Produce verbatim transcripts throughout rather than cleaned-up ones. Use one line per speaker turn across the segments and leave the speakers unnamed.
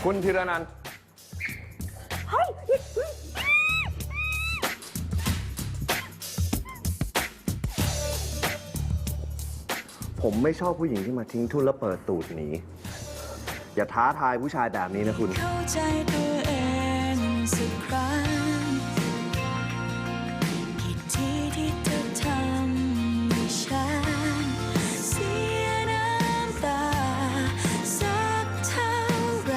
คุณธีรนันท์ผมไม่ชอบผู้หญิงที่มาทิ้งทุนแล้วเปิดตูดหนีอย่าท้าทายผู้ชายแบบนี้นะคุณ
เข้าใจตัวเองสักครั้งกี่ทีที่เธอทำให้ฉันเสียน้ำตาสักเท่าไร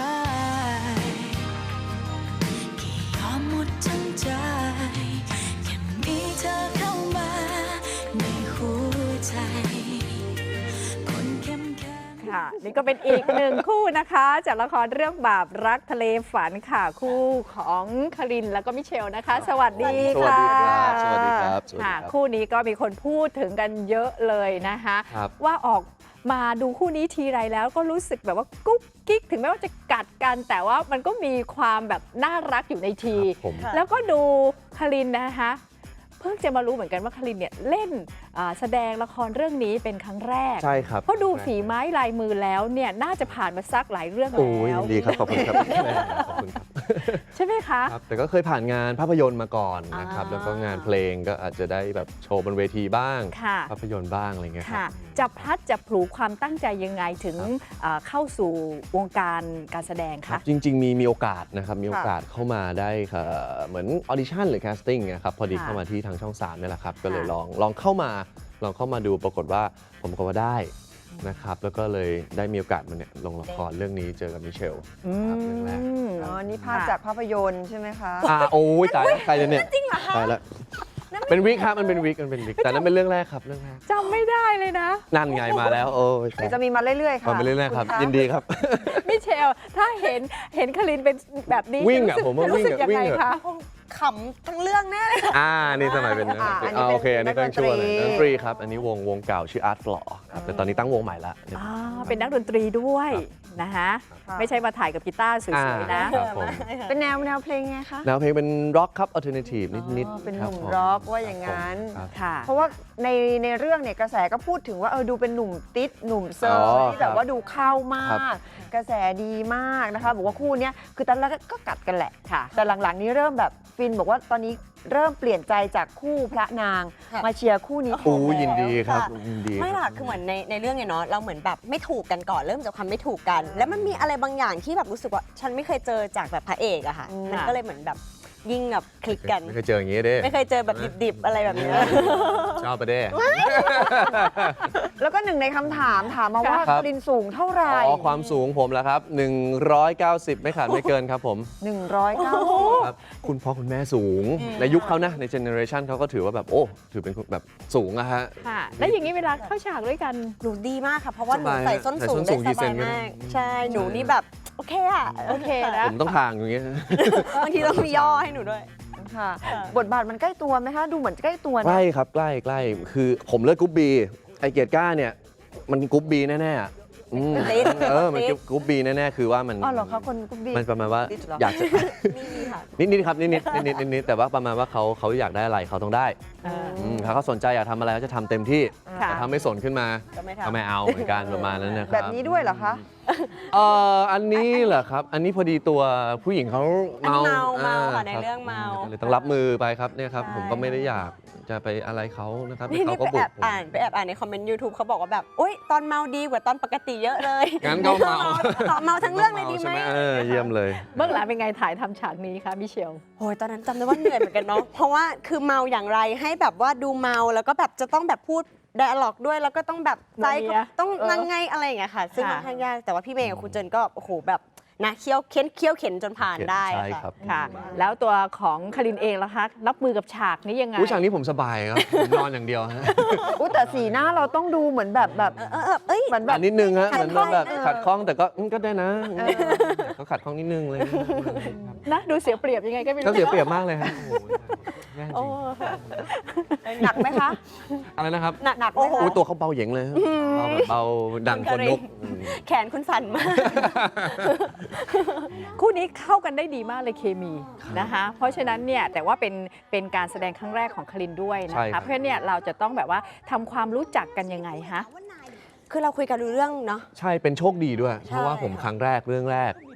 กี่ยอมหมดทั้งใจแค่มีเธอเข้ามาในหัวใจคนเข้มแข็ง
ค่ะนี่ก็เป็นอีกหนึ่งคู่นะคะจากละครเรื่องบาปรักทะเลฝันค่ะคู่ของคารินแล้วก็มิเชลนะคะสวัสดีค่ะ
สวัสดีครับสวัสดีครับ
ค่ะคู่นี้ก็มีคนพูดถึงกันเยอะเลยนะคะว่าออกมาดูคู่นี้ทีไรแล้วก็รู้สึกแบบว่ากุ๊กกิ๊กถึงแม้ว่าจะกัดกันแต่ว่ามันก็มีความแบบน่ารักอยู่ในทีแล้วก็ดูคารินนะคะเพิ่งจะมารู้เหมือนกันว่าคารินเนี่ยเล่นแสดงละครเรื่องนี้เป็นครั้งแรก
ใช่ครับ
เพราะดูฝีไม้ลายมือแล้วเนี่ยน่าจะผ่านมาสักหลายเรื่องแล้ว
โอ้ยดีครับขอบคุณครับขอบคุณครับ
ใช่ไหมคะ
ครับแต่ก็เคยผ่านงานภาพยนตร์มาก่อนนะครับแล้วก็งานเพลงก็อาจจะได้แบบโชว์บนเวทีบ้างภาพยนตร์บ้างอะไรเงี้ยครับ
จะพลัดจะผูกความตั้งใจยังไงถึงเข้าสู่วงการการแสดงคะ
จริงๆมีมีโอกาสนะครับมีโอกาสเข้ามาได้เหมือนออดิชั่นหรือแคสติ้งนะครับพอดีเข้ามาที่ทางช่องสามนี่แหละครับก็เลยลองลองเข้ามาลองเข้ามาดูปรากฏว่าผมก็ว่าได้นะครับแล้วก็เลยได้มีโอกาสมาเนี่ยลงละครเรื่องนี้เจอกับมิเชลครับเรื่องแรก
อ๋อนี่ภาพจากภาพยนตร์ใช่ไหมคะ
อ่าโอ้ยตายแล้วใครจะเนี่ยจริงเหรอคะตายแล้วเป็นวิกครับมันเป็นวิกมันเป็นวิกแต่นั้นเป็นเรื่องแรกครับเรื่องแรก
จำไม่ได้เลยนะ
นั่นไงมาแล้วโอ้ย
จะมีมาเรื่อยๆค่ะ
มาเรื่อยๆครับยินดีครับ
มิเชลถ้าเห็นเห็นคารินเป็นแบบนี้
วิ่งอ่ะผมว่าวิ่งอ่ะ
วิ่งคะ
ขำทั้งเรื่องแน่เลย
อ่านี่สมัยเป็นโอเคอันนี้ต้องช่วยเลยดนตรีครับอันนี้วงวงเก่าชื่อ Art Floor ครับแต่ตอนนี้ตั้งวงใหม่ละ
เป็นนักดนตรีด้วยนะคะไม่ใช่มาถ่ายกับกีตาร์สวยๆนะ
เป็นแนวแนวเพลงไงคะ
แนวเพลงเป็นร็อกครับอัลเทอร์เนทีฟนิด
ๆเป็นหนุ่มร็อกว่าอย่างนั้น
ค่ะ
เพราะว่าในในเรื่องเนี่ยกระแสก็พูดถึงว่าเออดูเป็นหนุ่มติดหนุ่มเซอร์ที่แบบว่าดูเข้ามากกระแสดีมากนะคะบอกว่าคู่นี้คือตอนแรกก็กัดกันแหละแต่หลังๆนี้เริ่มแบบฟินบอกว่าตอนนี้เริ่มเปลี่ยนใจจากคู่พระนางมาเชียร์คู่นี้
โอ้ยินดีครับยินดี
ไม่หรอกคือเหมือนในในเรื่องเนี่ยเนาะเราเหมือนแบบไม่ถูกกันก่อนเริ่มจากความไม่ถูกกันแล้วมันมีอะไรบางอย่างที่แบบรู้สึกว่าฉันไม่เคยเจอจากแบบพระเอกอะค่ะมันก็เลยเหมือนแบบยิ่งแบบคลิกกัน
ไม่เคยเจออย่างนี้เด้
ไม่เคยเจอแบบดิบๆอะไรแบบนี้
ชอบไปเด้
แล้วก็หนึ่งในคำถามถามมาว่าคารินสูงเท่าไหร่
อ๋อความสูงผมแล้วครับหนึ่งร้อยเก้าสิบไม่ขาดไม่เกินครับผม
หนึ่งร้อยเก้าสิบ
ครับคุณพ่อคุณแม่สูงในยุคเขานะในเจเนอเรชันเขาก็ถือว่าแบบโอ้ถือเป็นแบบสูงอะฮะ
ค่ะแล้วอย่างนี้เวลาเข้าฉากด้วยกัน
หนูดีมากค่ะเพราะว่าหนูใส่ส้นสูงได้สบายมากใช่หนูนี่แบบโอเคอะ
โอเคนะ
ผมต้องทางอย่างเงี้ย
บางทีต้องมีย่อให้หนูด้วย
ค่ะบทบาทมันใกล้ตัวไหมคะดูเหมือนใกล้ตัว
ใกล้ครับใกล้ใกล้คือผมเลือกกรุ๊ปบีไอเกียรติก้าเนี่ยมันกรุ๊ปบีแน่ๆเออมันกรุ๊ปบีแน่ๆคือว่ามัน
อ๋อเหรอคะคนกรุ๊ปบี
มันประมาณว่าอยากจะนิดนิดครับนิดนิดนิดนิดนิดแต่ว่าประมาณว่าเขาเขาอยากได้อะไรเขาต้องได้ถ้าเขาสนใจอยากทำอะไรเขาจะทำเต็มที่แต่ถ้าไม่สนขึ้นมาก็ไม่เอาเหมือนกันประมาณนั้นนะครับ
แบบนี้ด้วยเหรอคะ
เอออันนี้เหรอครับอันนี้พอดีตัวผู้หญิงเขาเมา
เมาค่ะในเรื่องเมา
เลยต้องรับมือไปครับเนี่ยครับผมก็ไม่ได้อยากจะไปอะไรเขานะครับเขาก็
บุกไปแอบอ่านไปแอบอ่านในคอมเมนต์ ยูทูบ เขาบอกว่าแบบอุ้ยตอนเมาดีกว่าตอนปกติเยอะเลย
งั้นก็เมา
เมาทั้งเรื่องเลยดีไหม
เยี่ยมเลย
เบื้องหลังเป็นไงถ่ายทำฉากนี้คะมิเชล
โอ้ยตอนนั้นจำได้ว่าเหนื่อยเหมือนกันเนาะเพราะว่าคือเมาอย่างไรให้แบบว่าดูเมาแล้วก็แบบจะต้องแบบพูดไดอะล็อกด้วยแล้วก็ต้องแบบใจต้องนั่งไงอะไรอย่างเงี้ยค่ะซึ่งค่อนข้างยากแต่ว่าพี่เมย์กับครูเจนก็โอ้โหแบบนะเคี้ยวเข็นเคี้ยวเข็นจนผ่านได้
ใช่ครับ
ค่ะแล้วตัวของคารินเองล่ะคะรับมือกับฉากนี้ยังไง
ฉากนี้ผมสบายครับผมนอนอย่างเดียวฮะ
อุ้แต่สีหน้าเราต้องดูเหมือนแบบแบบ
เอ้ย
เหมือนแบบ
นิดนึงฮะเหมือนแบบขัดข้องแต่ก็ก็ได้นะเขาขัดข้องนิดนึงเลย
นะดูเสียเปรียบยังไงก็ไม่รู้
ก็เสียเปรียบมากเลยครับ
หนักไหมคะ
อะไรนะครับ
หนักหนักโอ้โห
ตัวเขาเบาเหย่งเลยเบาแบบเบาดังคนลุก
แขนคุณสั่นมาก
คู่นี้เข้ากันได้ดีมากเลยเคมีนะคะเพราะฉะนั้นเนี่ยแต่ว่าเป็นเป็นการแสดงครั้งแรกของคารินด้วยนะคะเพราะฉะนั้นเนี่ยเราจะต้องแบบว่าทำความรู้จักกันยังไงฮะ
คือเราคุยกันรู้เรื่องเนาะ
ใช่เป็นโชคดีด้วยเพราะว่าผมครั้งแรกเรื่องแรก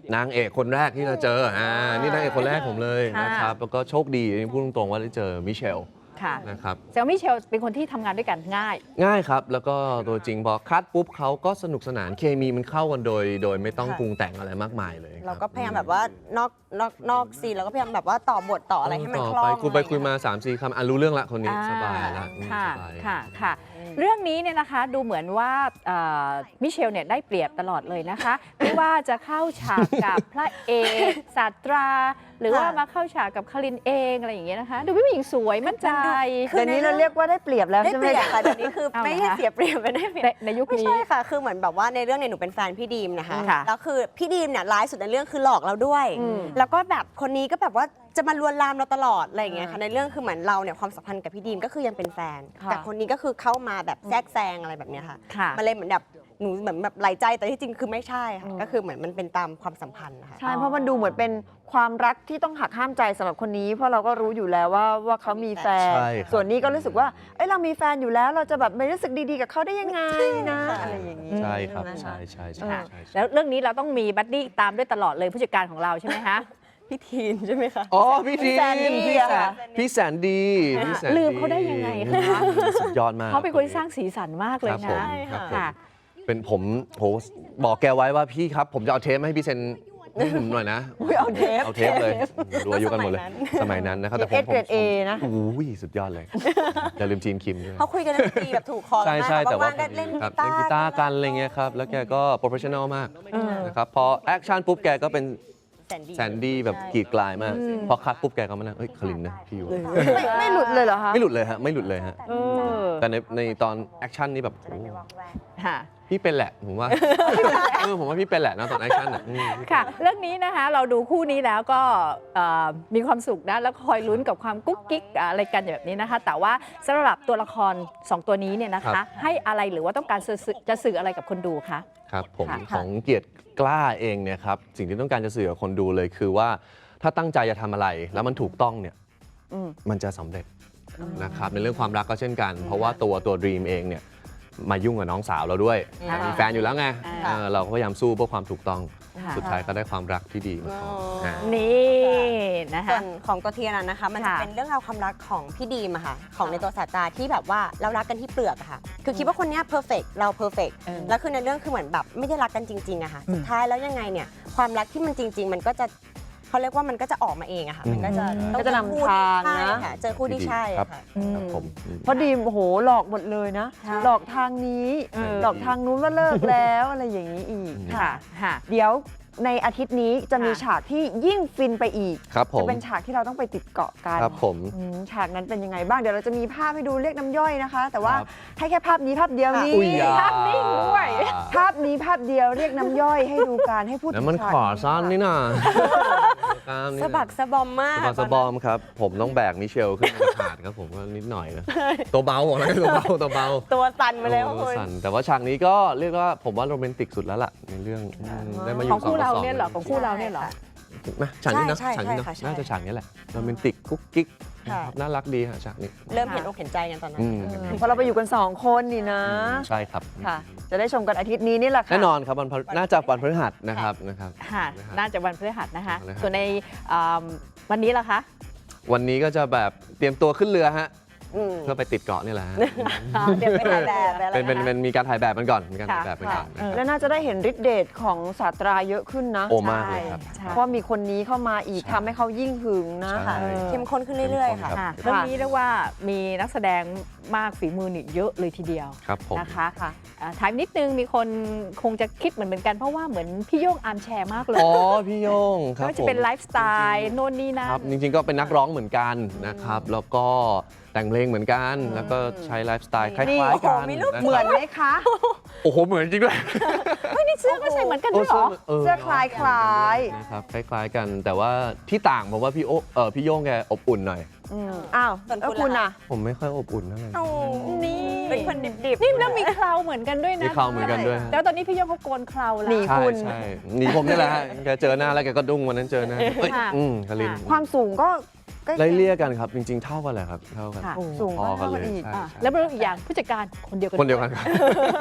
นางเอกคนแรกที่เราเจออ่านี่นางเอกคนแรกผมเลย
ค่ะ
นะครับแล้วก็โชคดีพูดตรงๆว่าได้เจอมิเชล
ค่ะ
นะครับ
แซลมิเชลเป็นคนที่ทำงานด้วยกันง่าย
ง่ายครับ แล้วก็ตัวจริงพอคัดปุ๊บเขาก็สนุกสนานเคมีมันเข้ากันโดย โดยไม่ต้อง
ค่ะ
ปรุงแต่งอะไรมากมายเลย
เราก็พยายามแบบว่านอกนอกนอกซีนเราก็พยายามแบบว่าต่อบทต่ออะไรให้มัน
ต่
คล่อง
ไปคุยไป
อะร
คุยมา
เงี้
สามสี่คำอ่ะรู้เรื่องละคนนี้
อ่า
สบายละอืม
ค่ะ
สบาย
ค่ะค่ะ เรื่องนี้เนี่ยนะคะดูเหมือนว่าเอ่อมิเชลเนี่ยได้เปรียบตลอดเลยนะคะ ไม่ว่าจะเข้าฉากกับพระเอกศาสตรา หรือว่ามาเข้าฉากกับคารินเองอะไรอย่างเงี้ยนะคะ ดูเป็นผู้หญิงสวยมั่นใจ
คือ
เดี๋ยวนี้เราเรียกว่าได้เปรียบแล้ว
ได้
ใช่ไห
เป
ม
รียบ
คะ
ค่ะเดี๋ยวนี้คือ
เอา
ไม่
เหรอ
ให้
คะ
เสียเปรียบไม่ได้เปรียบ
ในในยุค
ไม่
นี้
ใช่ค่ะ คือเหมือนแบบว่าในเรื่องเนี่ยหนูเป็นแฟนพี่ดีมนะคะ
ค่ะ
แล้วคือพี่ดีมเนี่ยร้ายสุดในเรื่องคือหลอกเราด้วย
อืม
แล้วก็แบบคนนี้ก็แบบว่าจะมาลวนลามเราตลอดอะไรอย่างเงี้ยค่ะในเรื่องคือเหมือนเราเนี่ยความสัมพันธ์กับพี่ดีมก็คือยังเป็นแฟน
ค่ะ
แต่คนนี้ก็คือเข้ามาแบบแทรกแซงอะไรแบบเนี้ยค่ะ
ค่ะ
มันเลยเหมือนแบบหนูเหมือนแบบไหลใจแต่ที่จริงคือไม่ใช่ค่ะก็คือเหมือนมันเป็นตามความสัมพันธ์นะคะ
ใช่ เพราะมันดูเหมือนเป็นความรักที่ต้องหักห้ามใจสำหรับคนนี้ เพราะเราก็รู้อยู่แล้วว่าว่าเขามีแฟน
ใช่ครับ
ส่วนนี้ก็รู้สึกว่า เอ้ยเรามีแฟนอยู่แล้ว เราจะแบบไม่รู้สึกดีๆกับเขาได้ยังไงนะอะไรอย่างนี้
ใช่ครับ
นะคะ
ใช่ใช่ใช่
ค่ะ
ใช่ใช่
แล้วเรื่องนี้เราต้องมีบัดดี้ตามด้วยตลอดเลยผู้จัดการของเราใช่ไหมคะ
พี่ทีนใช่ไหมคะ
อ๋อพี่ที
แสนดี
พี่
อะค่ะ
พี่แสนดีพี่แสน
ลืมเขาได้ยังไงคะ
สุดยอดมาก
เขาเป็นคนที่สร้างสีสันมากเลย
ครับผม
นะครับ
ผม
ค่ะ
เป็นผมโหบอกแกไว้ว่าพี่ครับ ผมจะเอาเทปมาให้พี่เซ็นให้ผมหน่อยนะ
อุ๊ยเอาเทป
เอาเทปเลยดูอายุกันหมดเลย สมัยนั้นนะครับแต่ผม
เอสเกรด A นะ
โอ้ยสุดยอดเลย อย่าลืมจีนคิมด้วย
เขาคุยกันเรื่องดนตรีแบบถูกคอ
ใช่
มาก
ใช่แต่ว่า
ว่างๆก็เล่น
ครับ
กี
เล่นกี
ตา
ตา
ร์
ร์กันอะไรเงี้ยครับ แล้วแกก็โปรเฟชชั่นอลมากนะครับพอแอคชั่นปุ๊บแกก็เป็น
แสนดี
แสนดีแบบกรีดกลายมาก พอคัดปุ๊บแกก็มานั่งเอ้ยคลินนะพี่อยู่
ไม่ไม่หลุดเลยเหรอคะ
ไม่หลุดเลยฮะไม่หลุดเลยฮะ
เออ
แต่ในในตอนแอคชั่นนี่แบบโอ้
ค่ะ
พี่เป็นแหละผมว่า เออผมว่าพี่เป็นแหละนะตอนแอคชั่นอ่ะอืม
ค่ะ เรื่องนี้นะคะเราดูคู่นี้แล้วก็เอ่อมีความสุขนะแล้วคอยลุ้นกับความกุ๊กกิ๊กอะไรกันแบบนี้นะคะ แต่ว่าสำหรับตัวละครสองตัวนี้เนี่ยนะคะ ให้อะไรหรือว่าต้องการสื่อจะสื่ออะไรกับคนดูคะ
ครับผม
ค่ะ
ของเกียรติกล้าเองเนี่ยครับสิ่งที่ต้องการจะสื่อกับคนดูเลยคือว่าถ้าตั้งใจจะทำอะไรแล้วมันถูกต้องเนี่ย
อืม
มันจะสำเร็จนะครับในเรื่องความรักก็เช่นกัน เพราะว่าตัวตัวดรีมเองเนี่ยมายุ่งกับน้องสาวเราด้วย
ค่ะ
มีแฟนอยู่แล้วไง
ค่ะ
เออเราก็พยายามสู้เพื่อความถูกต้อง
ค่ะ
สุดท้ายก็ได้ความรักที่ดีมาก่อน
อ๋ออ่
า
นี่นะ
ส่
คะ
วนของตัวเทียนนะคะ มันจะ
ค่ะ
เป็นเรื่องราวความรักของพี่ดีมอะค่ะ ของในตัวศาสตราที่แบบว่าเรารักกันที่เปลือกอะค่ะ คือคิดว่าคนเนี้เพอร์เฟกเราเพอร์เฟก
เออ
แล้วคือในเรื่องคือเหมือนแบบไม่ได้รักกันจริงๆอะค่ะ สุดท้ายแล้วยังไงเนี่ย ความรักที่มันจริง ๆ มันก็จะเขาเรียกว่ามันก็จะออกมาเองอะค่ะ มันก็จะ
อืม
ต้อง
ก็จะนำ
คู่
ทาง
ใช่
นะ
ค่ะเจอคู่ที่ใช่
ครับ
อะค่ะ
ครับผมอืม
เพราะดีมโอ้โหหลอกหมดเลยนะ
ใช่
หลอกทางนี้
เออ
หลอกทางนู้นว่าเลิกแล้วอะไรอย่างนี้อีก
ค่ะ ค่ะ
เดี๋ยวในอาทิตย์นี้จะมี
ค่ะ
ฉากที่ยิ่งฟินไปอีก
ครับผ
จะ
ม
เป็นฉากที่เราต้องไปติดเกาะกัน
ครับผม
อืมฉากนั้นเป็นยังไงบ้าง เดี๋ยวเราจะมีภาพให้ดูเรียกน้ำย่อยนะคะ แต่ว่า
ครับ
ให้แค่ภาพนี้ภาพเดียวนี้
อุ้ยยา
ภาพนิ่งด้วย
ภาพนี้ภาพเดียวเรียกน้ำย่อยให้ดูการให้พูด
แล้ว
ถึง
มัน
ฉาก
ขอซ่อนนี่น่ะกล้ามนี่
สะ
น่ะ
บักสะบอมมาก
สะบักสะบอมครับ ผมต้องแบกมิเชลขึ้นมาถาดครับผมก็นิดหน่อยนะตัวเบาบอกเลยตัวเบาตัวเบา
ตัวสั่นมาแล้ว
โอ้
คุณ
สั่นแต่ว่าฉากนี้ก็เรียกว่าผมว่าโรแมนติกสุดแล้วล่ะในเรื่องอืมได้มาอ
ข
ยู่
องคู่
สต่
เรา
สง
เนี่ยเหรอของคู่เราเนี่ยเหรอ
นะฉากนี้นะ
ใช่
ฉากนี้นะ
ใช่ค่ะใช่
น่าจะฉากนี้แหละโรแมนติกกุ๊กกิ๊ก
ค่ะ
นะครับน่ารักดีฮะฉากนี้
เริ่มเห็นอกเห็นใจกันตอนนั้น
อืม
เพราะเราไปอยู่กันสองคนนี่นะ
ใช่ครับ
ค่ะ จะได้ชมกันอาทิตย์นี้นี่แหละค่ะ
แน่นอนครับวันพฤน่าจะวันพฤหัสนะครับนะครับ
ค่ะ น่าจะวันพฤหัสนะคะ
วันพฤหัส
ส่วนในอ่าวันนี้ล่ะคะ
วันนี้ก็จะแบบเตรียมตัวขึ้นเรือฮะ
อืม
เพื่อไปติดเกาะนี่แหละฮะ
เดี๋ยวไปถ่ายแบบไปอะไร
เป็นเป็น
นะคะ
เป็นมีการถ่ายแบบมันก่อนมีการถ่าย
ค่ะ
แบบมันก่อนนะครับ
แล้วน่าจะได้เห็นฤทธิ์เดชของศาสตราเยอะขึ้นนะ
โอ้มากเลยครับ
ใช่
เพราะมีคนนี้เข้ามาอีก
ใช่
ทำให้เขายิ่งหึงนะ
ใช่
เออ
เข้มข้นขึ้นเรื่อยๆค่ะ
ค่ะ
รับ
เรื่องนี้เรียกว่ามีนักแสดงมากฝีมือนี่เยอะเลยทีเดียว
ครับผม
นะคะ
ค่ะ
อ่าถามนิดนึงมีคนคงจะคิดเหมือนเหมือนกันเพราะว่าเหมือนพี่โย่งอาร์มแชร์มากเลย
อ๋อพี่โยงครับ
ไม่ว่าจะเป็น
ผม
ไลฟ์สไตล์โน่นนี่นั่
ครับ
น
จริงๆก็เป็นนักร้องเหมือนกันนะครับ แล้วก็แต่งเพลงเหมือนกัน แล้วก็ใช้ไลฟ์สไตล์คล้
นี่
ายๆกัน
โอ้โหมีรูป
ะครับ
เหมือนไหมคะ
โอ้โหเหมือนจริงด้วย
เฮ้ยนี่เสื้อก็ใส่เหมือนกันด้วยเหรอ
เสื้อคล้ายคล้าย
นะครับคล้ายๆกัน แต่ว่าที่ต่างผมว่าพี่โอเออพี่โย่งแกอบอุ่นหน่อย
ๆอืมอ้าว
ส่วน
แล้ว
คุณ
คุณ
ล่ะ
อ่ะ
ผมไม่ค่อยอบอุ่นเท่าไหร่
โอ้
นี่
เป็นคนดิบๆ
นี่แล้วมีเคราเหมือนกันด้วยนะ
มีเคราเหมือนกันด้วย
แล้วตอนนี้พี่โย่งเขาโกนเคราแล้ว
หนี
ใช่
คุณ
ใช่หนีผมนี่แหละฮะแกเจอหน้าแล้วแกก็ดุ้งวันนั้นเจอหน้าเอ้ย
ค่ะ
อืมคาริน
ความสูงก็ใกล้
ไล่
เคียง
เลี่ยกันครับ จริง ๆ เท่ากันแหละครับ เท่ากัน
ค่ะ
สูง
พอ
ก็
กัน
เท่า
เล
กัน
ย
อีก
ใช่
อ่า
ใช่
แล้วเป็นอีกอย่างผู้จัดการคนเดียวกัน
คนเดียวกันครับ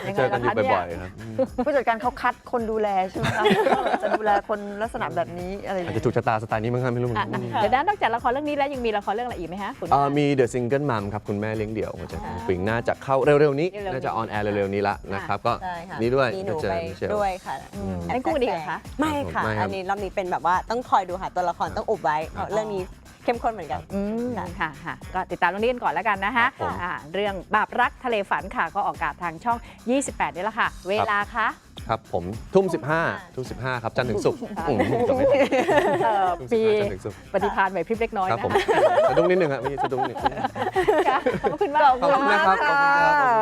ยังไง
เจอกัน
ล่ะ
อยู่
คะเนี่ย
บ่อยๆครับอืม
ผู้จัดการเขาคัดคนดูแลใช่ไหมคะ จะดูแลคนลักษณะแบบนี้อะไรอย่าง
อาจ
เงี้
จะ
ย
ถูกชะตาสไตล์นี้มั้งครับไม่รู้เหมือน
อ่ะ
กัน
นะเดี๋ยวนะนอกจากละครเรื่องนี้แล้วยังมีละครเรื่องอะไรอีกไหมฮะคุณ
อ่ามี The Single Mom ครับ คุณแม่เลี้ยงเดี่ยวของเจนปิงน่าจะเข้าเร็วๆนี้
เร็วๆนี้
น่าจะออนแอร์เร็วๆนี้ละนะครับก็
ใช่ค่ะ
นี่ด้วย
มีหนู
เจอ
ไป
มิเชล
ด้วยค่ะ
อันนี้คู่กันอีกเหรอคะ
ไม่ค่ะ
ไม่ครับ
อันนี้รอบนี้เป็นแบบว่าต้องคอยดูค่ะตัวละครต้องอุบไว้เพราะเรื่องนี้เข้มข้นเหมือนกัน
อืมค่ะค่ะก็ติดตามเรื่องนี้กันก่อนแล้วกันนะคะ
ครับผม
อ่าเรื่องบาปรักทะเลฝันค่ะ ก็ออกอากาศทางช่อง ยี่สิบแปด นี่แหละค่ะ เวลาคะ
ครับผมทุ่มสิบห้าทุ่มสิบห้าครับจันทร์ถึงศุกร์อืมจำไม่ผิด
เอ่อ
ทุ่ม
ปี
สิบห้าจันทร์ถึงศุกร์
ปฏิภาณไหวพริบเล็กน้อย
ครับ
นะ
ผม
คะ
สะดุ้งนิดนึงครับมีสะดุ้งนิดนึง
ค่ะขอบคุณมาก
ขอบคุณมาก
ขอบคุณครับ
ค่ะ